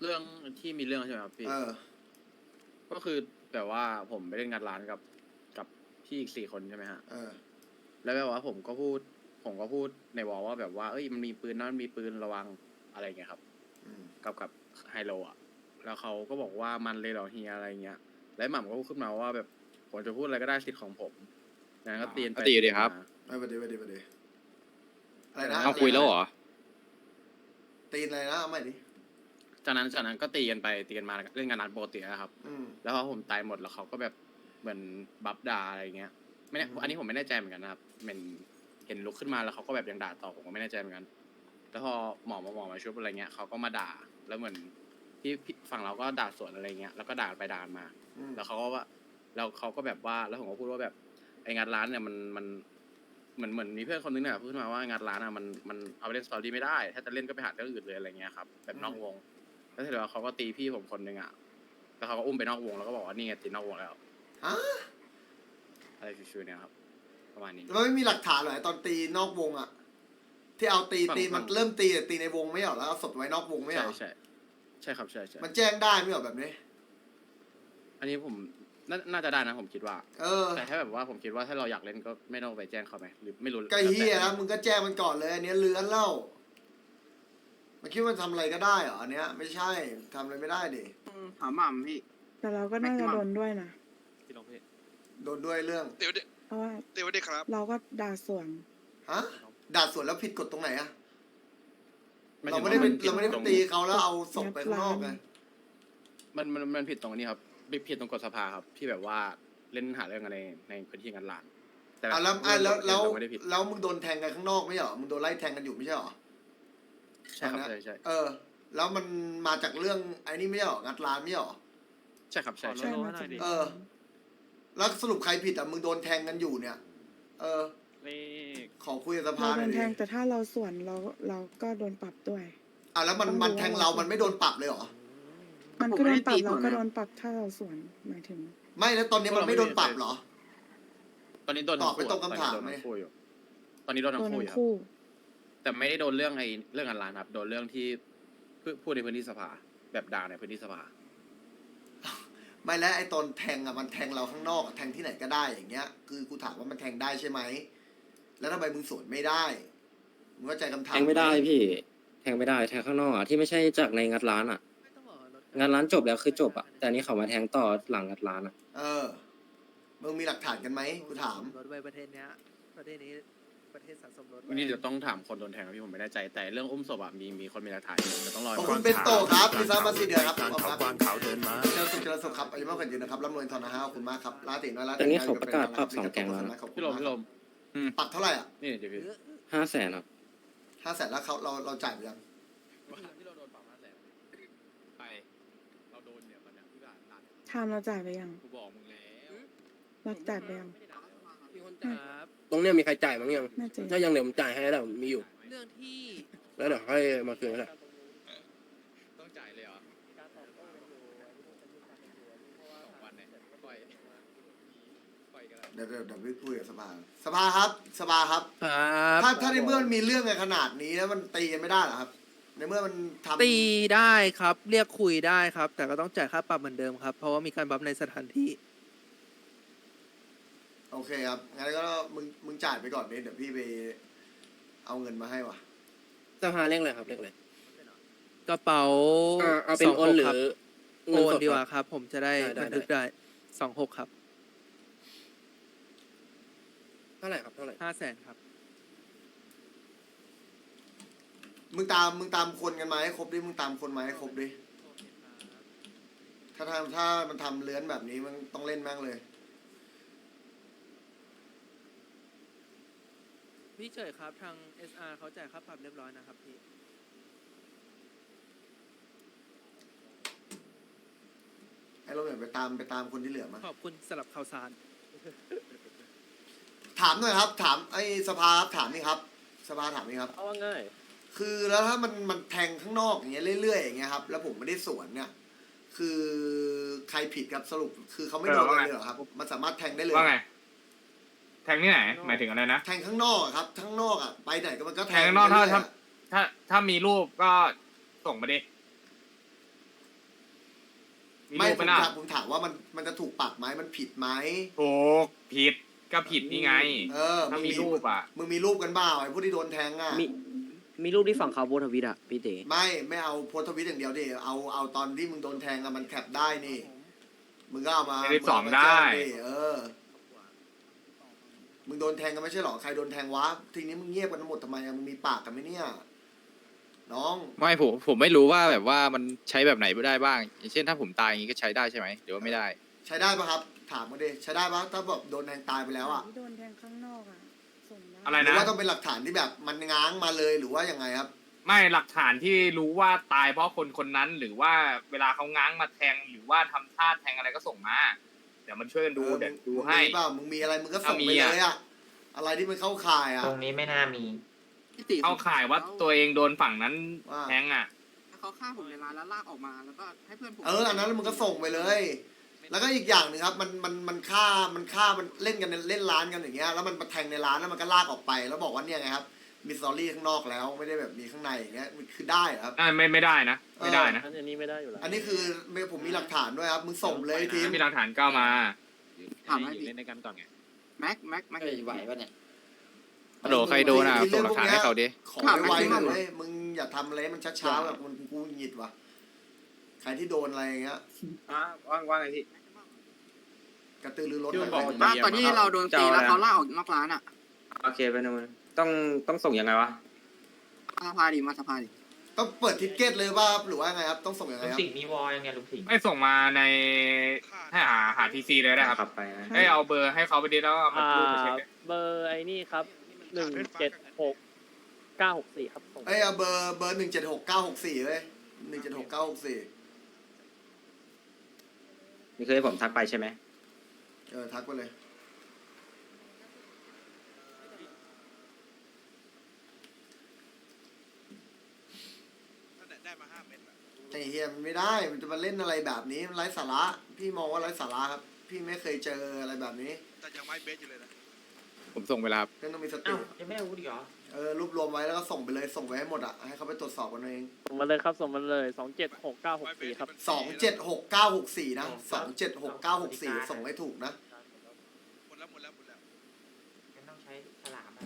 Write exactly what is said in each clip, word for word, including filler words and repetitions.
เรื่องที่มีเรื่องใช่ไหมครับพี่เออก็คือแบบว่าผมไปเล่นงานร้านกับกับพี่อีกสี่คนใช่ไหมฮะเออแล้วแบบว่าผมก็พูด ผมก็พูดในวอลว่าแบบว่าเอ้ยมันมีปืนนะมันมีปืนระวังอะไรเงี้ยครับอืมกับกับไฮโลอ่ะ แล้วเขาก็บอกว่ามันเลยเหรอเฮียอะไรเงี้ย แล้วหม่ำก็พูดขึ้นมาว่าแบบผมจะพูดอะไรก็ได้สิทธิ์ของผมนั้นก็ตีนไปตีอยู่ดีครับมาไม่ประเดี๋ยวประเดี๋ยวประเดี๋ยวอะไรนะเอาคุยแล้วเหรอตีนอะไรนะเอาใหม่ดิจากนั้นจากนั้นก็ตีกันไปตีกันมาเล่นงานร้านปกตินะครับอืมแล้วพอผมตายหมดแล้วเขาก็แบบเหมือนบัฟด่าอะไรเงี้ยไม่แน่อืมอันนี้ผมไม่แน่ใจเหมือนกันนะครับเหมือนเห็นลุกขึ้นมาแล้วเขาก็แบบยังด่าต่อผมก็ไม่แน่ใจเหมือนกันแล้วพอหมอมาหมอมาชุบอะไรเงี้ยเขาก็มาด่าแล้วเหมือนพี่พี่ฝั่งเราก็ด่าสวนอะไรเงี้ยแล้วก็ด่าไปด่ามาอืมแล้วเขาก็ว่าแล้วเขาก็แบบว่าแล้วผมก็พูดว่าแบบไอ้งานร้านเนี่ยมันมันเหมือนเหมือนมีเพื่อนคนนึงเนี่ยพูดขึ้นมาว่างานร้านอ่ะมันมันเอาไปเล่นสตอรี่ไม่ได้ถ้าจะเล่นก็ไปหาเรื่องอื่นเลยอะไรเงี้ยครับแบบนอกวงแล้วเสร็จแล้วเขาก็ตีพี่ผมคนนึงอ่ะแล้วเขาก็อุ้มไปนอกวงแล้วก็บอกว่านี่ไงตีนอกวงแล้วฮะอะไรชิวๆเนี่ยครับประมาณนี้แล้วไม่มีหลักฐานเหรอไอ้ตอนตีนอกวงอะที่เอาตีฝั่งตีฝั่มันงเริ่มตีแต่ตีในวงไม่เหรอแล้วเอาศพไว้นอกวงไม่เหรใช่อใช่ใช่ครับใช่ใช่มันแจ้งได้ไม่เหรอแบบนี้อันนี้ผมน่าน่าจะได้นะผมคิดว่าเออแต่ถ้าแบบว่าผมคิดว่าถ้าเราอยากเล่นก็ไม่ต้องไปแจ้งเขาไหมหรือไม่รู้ก็เฮียนะมึงก็แจ้งมันก่อนเลยอันเนี้ยเลื้อนเล่ามันคิดว่ามันทำอะไรก็ได้เหรออันเนี้ยไม่ใช่ทำอะไรไม่ได้ดิถามหม่ำพี่แต่เราก็น่าจะโดนด้วยนะพี่ลองพี่โดนด้วยเรื่องเดี๋ยวเดี๋ยวเพราะว่าเดี๋ยวเดี๋ยวครับเราก็ด่าสวนฮะด่าสวนแล้วผิดกฎตรงไหนอะหยเราถึงไม่ได้ไปว่นผิเราไม่ได้ไปตรงตีเขาแล้วเอาศพไปข้างนอกไงมันมันมันผิดตรงนี้ครับผิดตรงกฎสภาครับที่แบบว่าเล่นหาเรื่องอะไรในพื้นที่งานหลานแต่อ่ะแล้วอ่ะแล้วแล้วเราไม่ได้ผิดแล้วมึงโดนแทงกันข้างนอกไม่ใช่เหรอมึงโดนไล่แทงกันอยู่ไม่ใช่เหรอใช่ครับตอนใช่นั้นใช่เออ แล้วมันมาจากเรื่องไอ้นี่ไม่ใช่เหรองัดร้านไม่ใช่เหรอใช่ครับใช่ใช่ใช่มาจากเออ แล้วสรุปใครผิดอ่ะมึงโดนแทงกันอยู่เนี่ย เออเลขขอคุยกับสเราภาหโดน่อยนดิแทงแต่ถ้าเราสวนเราเราก็โดนปรับด้วยอ่ะแล้วมันมันแทงเรามันไม่โดนปรับเลยเหรอมันก็โดนปรับเราก็โดนปรับถ้าเราสวนหมายถึงไม่แล้วตอนนี้มันไม่โดนปรับเหรอตอนนี้โดนตอบไม่ตรงทั้คำถามตอนไหมนี้โดนทั้งคู่อยู่ตอนนี้โดนโดทั้นงคู่ทั้อง ยู่ครับคู่แต่ไม่ได้โดนเรื่องไอ้เรื่องงานร้านครับ โดนเรื่องที่พูดพูดในพื้นที่สภาแบบด่าในพื้นที่สภาไม่แล้วไอ้ตอนแทงอ่ะมันแทงเราข้างนอกอะแทงที่ไหนก็ได้อย่างเงี้ย คือกูถามว่ามันแทงได้ใช่ไหม แล้วทำไมมึงสวนไม่ได้ มึงเข้าใจคำถามแทงไม่ได้พี่ แทงไม่ได้ แทงข้างนอกอ่ะที่ไม่ใช่จากในงัดร้านอ่ะ งานร้านจบแล้วคือจบอ่ะ แต่อันนี้เขามาแทงต่อหลังงัดร้านอ่ะเออ มึงมีหลักฐานกันไหมกูถามรถไว้ประเทศเนี้ย ประเทศนี้ประเทศสะสมรถไว้วันนี้เดี๋ยวต้องถามคนโดนแทงครับพี่ผมไม่แน่ใจแต่เรื่องอุ้มศพอะมีมีคนมีหลักฐานอยู่เดี๋ยวต้องรอขอบก่คุอนณเป็นโตครับพิซซ่ามาสี่เดือนครับขอบคุณครับวางเขาเดินมาเจอสุขเจริญสุขครับอายุมากกว่ายืนนะครับร่ำรวยทองนะฮะขอบคุณมากครับลาติน้อยลาติแต่นี่เขาประกาศปรับสองแก๊งแล้วนะขอบคุณพี่ลมมากพี่คลรับมปรับเท่าไหร่อ่ะนี่เดี๋ยวพี่ห้าแสนครับห้าแสนแล้วเขาเราเราจ่ายไปยังที่เราโดนปรับห้าแสนไปเราโดนเนี่ยมันเนี่ยที่ด่าด่าทามเราจ่ายไปยังกูบอกมึงแล้วเราจ่ายไปยังครับตรงเนี้ยมีใครจ่ายมั้งยังน่าจะถ้ายังเดี๋ยวผมจ่ายให้แล้วมีอยู่เรื่องที่แล้วเดี๋ยวค่อยมาคืนก็ได้ต้องจ่ายเลยเหรอสองวันเนี่ยปล่อยปล่อยกันแล้วเดี๋ยวเดี๋ยวเดี๋ยวพี่คุยกับสภาสภาครับสภาครับครับถ้าถ้าในเมื่อมันมีเรื่องกันขนาดนี้แล้วมันตีกันไม่ได้เหรอครับ ในเมื่อมันทำตีได้ครับ เรียกคุยได้ครับ แต่ก็ต้องจ่ายค่าปรับเหมือนเดิมครับ เพราะว่ามีการบัฟในสถานที่โอเคครับงั้นก็มึงมึงจ่ายไปก่อนเดี๋ยวพี่ไปเอาเงินมาให้ว่ะสภาเรียกอะไรครับเรียกอะไรกระเป๋าอ่าเอาเป็นโอนหรือครับเงิโอนสดดีกคว่ารับครับ ผมจะได้ได้ได้บันทึกได้สองหกครับเท่าไหร่ครับเท่าไหร่ห้าแสนครับมึงตามมึงตามคนกันมาให้ครบดิมึงตามคนมาให้ครบดิถ้าทำถ้ามันทำเลื้อนแบบนี้มันต้องเล่นแม่งเลยพี่เฉยครับ ทาง เอส อาร์ เขาจ่ายค่าปรับเรียบร้อยนะครับพี่ไอ้เราเนี่ยไปตามไปตามคนที่เหลือมาขอบคุณสำหรับข่าวสารถามหน่อยครับ ถามไอ้สภาครับถามนี่ครับ สภาถามนี่ครับเอาว่าง่ายคือแล้วถ้ามันมันแทงข้างนอกอย่างเงี้ยเรื่อยๆอย่างเงี้ยครับแล้วผมไม่ได้สวนเนี่ย คือใครผิดครับสรุปคือเขาไม่โดนอะไรเลยเหรอครับ มันสามารถแทงได้เลยว่าไง แทงที่ไหน หมายถึงอะไรนะแทงข้างนอกอะครับข้างนอกอ่ะไปไหนก็มันก็แทงข้างนอกถ้าเรื่ยๆถ้าอะถ้าถ้ามีรูปก็ส่งมาดิฮมีไม่รูปผไปมนะถามผมถามว่ามันมันจะถูกปรับไหมมันผิดไหมถูกผิดก็ผิดนี่ไงเออถ้ามีรูปอ่ะมึงมีรูปกันบ้าไอ้พวกที่โดนแทงอ่ะมีมีรูปที่ฝั่งเขาโพสต์ทวิตอะพี่เต๋ไม่ไม่เอาโพสต์ทวิตอย่างเดียวดิเอาเอาตอนที่มึงโดนแทงอะมันแคปได้นี่มึงก็เอามาในสิบสองมึเามาแจ้ได้เออมึงโดนแทงกันไม่ใช่หรอใครโดนแทงวะทีนี้มึงเงียบกันทั้งหมดทำไมอะมึงมีปากกันไหมเนี่ยน้องไม่ผมผมไม่รู้ว่าแบบว่ามันใช้แบบไหนได้บ้าง อย่างเช่นถ้าผมตายอย่างนี้ก็ใช้ได้ใช่ไหมหรือว่าไม่ได้ใช้ได้ปะครับ ถามมาดิใช้ได้ปะถ้าแบบโดนแทงตายไปแล้วอ่ะที่โดนแทงข้างนอกอ่ะส่งด้อะไรหรือนะว่าต้องเป็นหลักฐานที่แบบมันง้างมาเลยหรือว่ายังไงครับไม่หลักฐานที่รู้ว่าตายเพราะคนคนนั้น หรือว่าเวลาเขาง้างมาแทงหรือว่าทำท่าแทงอะไรก็ส่งมา เดี๋ยวมันช่วยกันดูเออเดี๋ยวดูมึงให้มีเปล่ามึงมีอะไรมึงก็ส่งถ้ามีไปอะเลยอ่ะอะไรที่มันเข้าข่ายอ่ะตรงนี้ไม่น่ามีเอาข่ายว่าตัวเองโดนฝั่งนั้นว่าแทงอ่ะเขาฆ่าผมในร้านแล้วลากออกมาแล้วก็ให้เพื่อนผมเอออันนั้นมึงก็ส่งไปเลย แล้วก็อีกอย่างหนึ่งครับมันมันมันฆ่ามันฆ่ามันเล่นกันในเล่นร้านกันอย่างเงี้ยแล้วมันมาแทงในร้านแล้วมันก็ลากออกไป แล้วบอกว่าเนี่ยไงครับมีสตอรี่ข้างนอกแล้วไม่ได้แบบมีข้างในอย่างเงี้ยมันคือได้เหรอครับอ่าไม่ไม่ได้นะ ไม่ได้นะอันนี้ไม่ได้อยู่แล้วอันนี้คือผมมีหลักฐานด้วยครับมึงส่งเลยทีมถ้ามีหลักฐานก็เอามาถามให้อยู่พี่เล่นในกันก่อนไงแม็กแม็กแม็กเฮ้ยไหวปะเนี่ยฮัลโหลใครโดนอ่ะส่งหลักฐานให้เขาดิขอไวๆหน่อยเว้ยมึงอย่าทำอะไรให้มันช้าๆแบบมันกูหงิดว่ะใครที่โดนอะไรอย่างเงี้ยอ่ะว่างว่างไงพี่กระตือรือร้นที่หมัน่นอยบอกไปว่าตอนที่เราโดนตีแล้วเขาลากออกนอกร้านอ่ะโอเคไปนู่นต้องต้องส่งยังไงวะมาสภาดิมาสภาดิต้องเปิดทิกเก็ตเลยว่าหรือว่าไงครับต้องส่งยังไงลุงครับสิงห์มีวอลยังไงลุงสิงห์ไม่ส่งมาในให้หาหาทีซีเลยนะครับขับไปนะให้เอาเบอร์ให้เขาไปดิแล้วเอามารูปมาเช็คดิเบอร์ไอ้นี่ครับหนึ่งเจ็ดหกเก้าหกสี่ครับส่งเอ้ยเอาเบอร์เบอร์หนึ่งเจ็ดหกเก้าหกสี่เลยหนึ่งเจ็ดหกเก้าหกสี่นี่คือให้ผมทักไปใช่ไหมเออทักไปเลยไอ้เฮียมันไม่ได้มันจะมาเล่นอะไรแบบนี้มันไร้สาระพี่มองว่าไร้สาระครับ พี่ไม่เคยเจออะไรแบบนี้แต่ยังไม่เบสอยู่เลยนะผมส่งเวลาเรื่องต้องมีสติอ้าวยังไม่อาวุธอีกเหรอเออรวบรวมไว้แล้วก็ส่งไปเลยส่งไปให้หมดอ่ะให้เขาไปตรวจสอบกันเองส่งมาเลยครับส่งมาเลยสองเจ็ดหกเก้าหกสี่ครับสองเจ็ดหกเก้าหกสี่นะสองเจ็ดหกเก้าหกสี่ส่งให้ถูกนะหมดแล้วหมดแล้วหมดแล้วงั้นต้องใช้ฉลามอ่ะ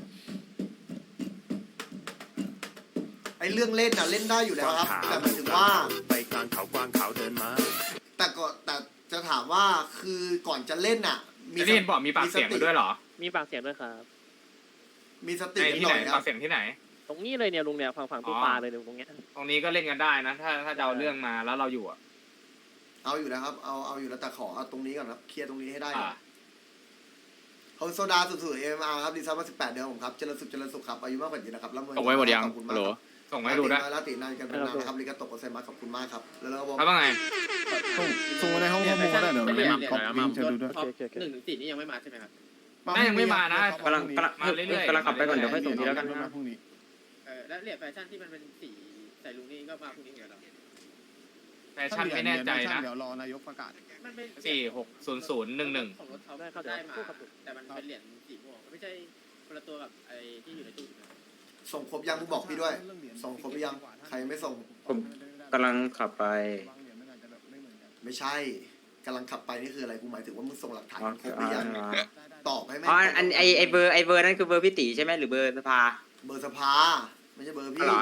ไอ้เรื่องเล่นน่ะเล่นได้อยู่แล้วครับ แต่หมายถึงว่าไปกลางเขากวางขาวเดินมาแต่ก็แต่จะถามว่าคือก่อนจะเล่นน่ะไอ้นี่เห็นบอกมีปากเสียงกันด้วยเหรอมีปากเสียงด้วยครับมีสติในกันที่หไหนน่อยคปารับกเสียงที่ไหนตรงนี้เลยเนี่ยลุงเนี่ยฝั่งฝั่งตู้อ๋อปลาเลยเนี่ยตรงเนี้ยตรงนี้ก็เล่นกันได้นะ ถ้าถ้าจะเอาเรื่องมาแล้วเราอยู่อ่ะเอาอยู่แล้วครับเอาเอาอยู่แล้วแต่ขอเอาตรงนี้ก่อนครับเคลียร์ตรงนี้ให้ได้ก่ออ่านเขาโซดาสุดๆเอ็มอาร์ครับดีไซน์มาสิบแปดเดือนผมครับเจริญสุขเจริญสุขครับอายุมากกว่านี้นะครับแล้วส่งไว้หมดยังขอบคุณฮัมาลกโหลครับส่งมาให้ดูด้วยลาตินานกันเป็นนานนะครับลิกาโตะโกเซมาขอบคุณมากครับแล้วเราก็บอกแล้วว่าไงส่งมาในห้องข้อมูลก็ได้เดี๋ยวไม่มาก๊อปลิงก์เชิญดูด้วยโอเคโอเคหนึ่งถึงสี่นี่ยังไม่มาใช่ไหมครับแม่ยังไม่มานะกำลังกำลังมาเรื่อยๆกำลังขับไปก่อนเดี๋ยวค่อยส่งทีแล้วกันมาพรุ่งนี้เออแล้วเหรียญแฟชั่นที่มันเป็นสีใส่ลุงนี่ก็มาพรุ่งนี้เหมือนกันเหรอแฟชั่นไม่แน่ใจนะเดี๋ยวรอนายกประกาศมันเป็นสี่หกศูนย์ศูนย์หนึ่งหนึ่งของรถเขาได้มาแต่มันเป็นเหรียญสีม่วงไม่ใช่คนละตัวกับไอ้ที่อยู่ในตู้ถูกไหมส่งครบยังมึงบอกพี่ด้วย ส่งครบหรือยังใครยังไม่ส่งผมกำลังขับไปไม่ใช่กำลังขับไปนี่คืออะไรกูหมายถึงว่ามึงส่งหลักฐานอ๋อครบหรือยังอ๋อตอบให้แม่อ๋ออันไอไอเบอร์ไอเบอร์นั่นคือเบอร์พี่ตีใช่ไหมหรือเบอร์สภาเบอร์สภาไม่ใช่เบอร์อ๋อพี่เหรอ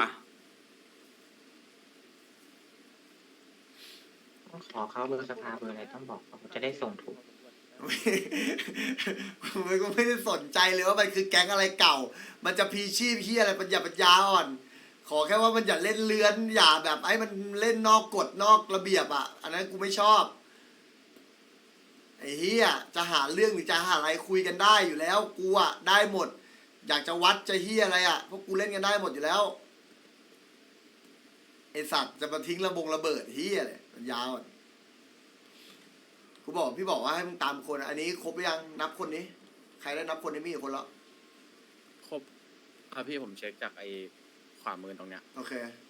ต้องขอเขาเบอร์สภาเบอร์อะไรต้องบอกเขาจะได้ส่งถูกมันก็ไม่ได้สนใจเลยว่ามันคือแก๊งอะไรเก่า มันจะพีชีพพี่อะไรปัญญาปัญญาอ่อน ขอแค่ว่ามันอย่าเล่นเลือน อย่าแบบไอ้มันเล่นนอกกฎนอกระเบียบอ่ะ อันนั้นกูไม่ชอบ ไอ้เฮียจะหาเรื่องหรือจะหาอะไรคุยกันได้อยู่แล้ว กูอ่ะได้หมด อยากจะวัดจะเฮียอะไรอ่ะพวกกูเล่นกันได้หมดอยู่แล้วไอสัตว์จะมาทิ้งระบงระเบิดเฮียเลยมันยาวอ่ะกูบอกพี่บอกว่าให้มึงตามคนอันนี้ครบหรือยังนับคนนี้ ใครได้นับคนนี้มีกี่คนแล้วครบอ่ะพี่ผมเช็คจากไอ้ขวามือตรงเนี้ยโอเค